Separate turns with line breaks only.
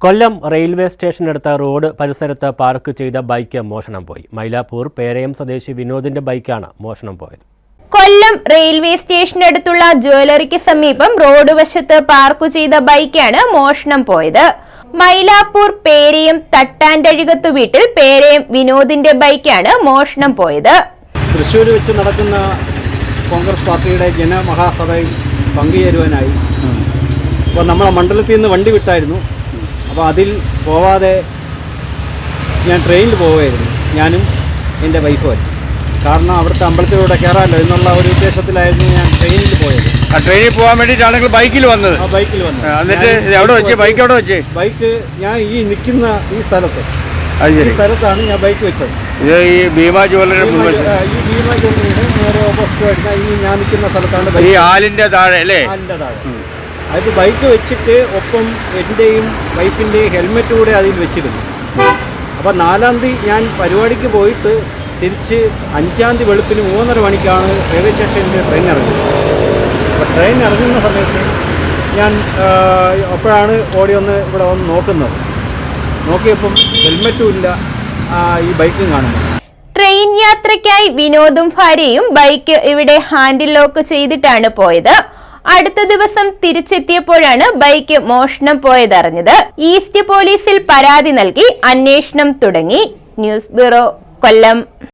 കൊല്ലം railway സ്റ്റേഷനടുത്ത road പരിസരത്ത് park ചെയ്ത ബൈക്ക് മോഷണം പോയി. മൈലാപ്പൂർ പേരയം സ്വദേശി വിനോദിന്റെ ബൈക്കാണ് മോഷണം പോയത്.
കൊല്ലം റെയിൽവേ സ്റ്റേഷനടുത്തുള്ള ജ്വല്ലറിക്ക് സമീപം റോഡ് വശത്ത് പാർക്ക് ചെയ്ത ബൈക്കാണ് മോഷണം പോയത്. മൈലാപ്പൂർ പേരയം തട്ടാൻഡഴികത്തു വീട്ടിൽ പേരയം വിനോദിന്റെ ബൈക്കാണ് മോഷണം പോയത്.
തൃശ്ശൂർ വെച്ച് നടക്കുന്ന കോൺഗ്രസ് പാർട്ടിയുടെ ജനമഹാസഭയിൽ പങ്കുചേരുവാനായി അപ്പോൾ നമ്മളെ മണ്ഡലത്തിൽ നിന്ന് വണ്ടി വിട്ടായിരുന്നു. അപ്പോൾ അതിൽ പോവാതെ ഞാൻ ട്രെയിനിൽ പോവുകയായിരുന്നു, ഞാനും എൻ്റെ വൈഫും. കാരണം അവിടുത്തെ അമ്പലത്തിലൂടെ കയറാമല്ലോ എന്നുള്ള ഒരു ഉദ്ദേശത്തിലായിരുന്നു ഞാൻ ട്രെയിനിൽ പോയത്.
ട്രെയിനിൽ പോകാൻ വേണ്ടിയിട്ടാണെങ്കിൽ ബൈക്കിൽ വന്നത്.
ബൈക്കിൽ വന്നത്.
എന്നിട്ട് എവിടെ വെച്ച് ബൈക്ക് എവിടെ വെച്ച്?
ബൈക്ക് ഞാൻ ഈ നിൽക്കുന്ന ഈ സ്ഥലത്ത്, ഈ സ്ഥലത്താണ് ഞാൻ ബൈക്ക് വെച്ചത്.
ഇത് ഈ ഭീമാ ജ്വല്ലറി,
ഈ ഭീമാ ജ്വല്ലറിയുടെ നേരെ ഓപ്പോസിറ്റ് വരുന്ന ഈ ഞാൻ നിൽക്കുന്ന സ്ഥലത്താണ്
ഈ ആലിൻ്റെ താഴെ അല്ലേ?
ആലിൻ്റെ താഴെ. അത് ബൈക്ക് വെച്ചിട്ട് ഒപ്പം എൻ്റെയും വൈഫിൻ്റെയും ഹെൽമെറ്റ് കൂടെ അതിൽ വെച്ചിരുന്നു. അപ്പോൾ 4-ാം തീയതി ഞാൻ പരിപാടിക്ക് പോയിട്ട് തിരിച്ച് 5-ാം തീയതി വെളുപ്പിന് 3:30 മണിക്കാണ് റെയിൽവേ സ്റ്റേഷനിൽ ട്രെയിൻ ഇറങ്ങുന്നത്. അപ്പോൾ ട്രെയിൻ ഇറങ്ങുന്ന സമയത്ത് ഞാൻ അപ്പോഴാണ് ഓടി ഇവിടെ വന്ന് നോക്കുന്നത്. നോക്കിയപ്പം ഹെൽമെറ്റും ഇല്ല, ഈ ബൈക്കും കാണുന്നു.
ട്രെയിൻ യാത്രയ്ക്കായി വിനോദും ഭാര്യയും ബൈക്ക് ഇവിടെ ഹാൻഡിൽ ലോക്ക് ചെയ്തിട്ടാണ് പോയത്. അടുത്ത ദിവസം തിരിച്ചെത്തിയപ്പോഴാണ് ബൈക്ക് മോഷണം പോയതറിഞ്ഞത്. ഈസ്റ്റ് പോലീസിൽ പരാതി നൽകി അന്വേഷണം തുടങ്ങി. ന്യൂസ് ബ്യൂറോ, കൊല്ലം.